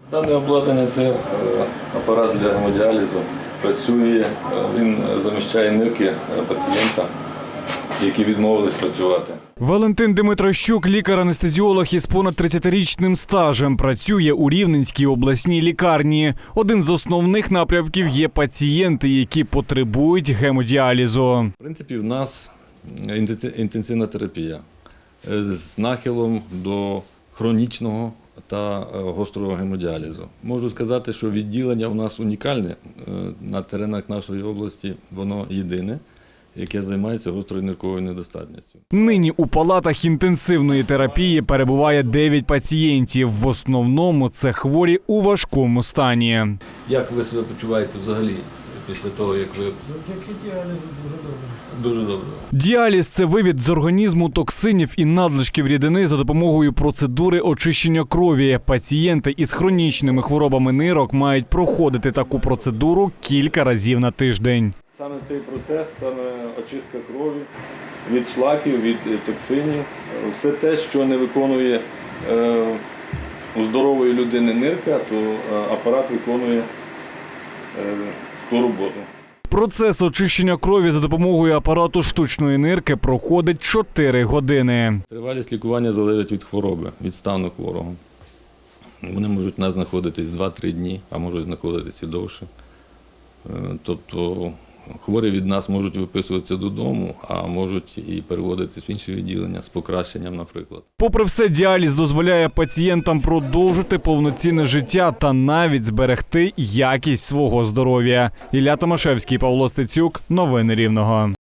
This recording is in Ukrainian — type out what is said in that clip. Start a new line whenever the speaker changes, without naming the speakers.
Дане обладнання – це апарат для гемодіалізу. Працює, він заміщає нирки пацієнта, які відмовились працювати.
Валентин Димитрощук – лікар-анестезіолог із понад 30-річним стажем. Працює у Рівненській обласній лікарні. Один з основних напрямків є пацієнти, які потребують гемодіалізу.
В принципі, в нас інтенсивна терапія з нахилом до хронічного та гострого гемодіалізу. Можу сказати, що відділення у нас унікальне. На теренах нашої області воно єдине, яке займається гострою нирковою недостатністю.
Нині у палатах інтенсивної терапії перебуває 9 пацієнтів. В основному це хворі у важкому стані.
Як ви себе почуваєте взагалі після того, як ви…
Завдяки діалізу дуже добре.
Дуже добре.
Діаліз – це вивід з організму токсинів і надлишків рідини за допомогою процедури очищення крові. Пацієнти із хронічними хворобами нирок мають проходити таку процедуру кілька разів на тиждень.
Саме цей процес, саме очистка крові від шлаків, від токсинів, все те, що не виконує у здорової людини нирка, то апарат виконує ту роботу.
Процес очищення крові за допомогою апарату штучної нирки проходить 4 години.
Тривалість лікування залежить від хвороби, від стану хворого. Вони можуть у нас знаходитись 2-3 дні, а можуть знаходитися і довше. Тобто хворі від нас можуть виписуватися додому, а можуть і переводитися в інші відділення з покращенням, наприклад.
Попри все, діаліз дозволяє пацієнтам продовжити повноцінне життя та навіть зберегти якість свого здоров'я. Ілля Томашевський, Павло Стецюк. Новини Рівного.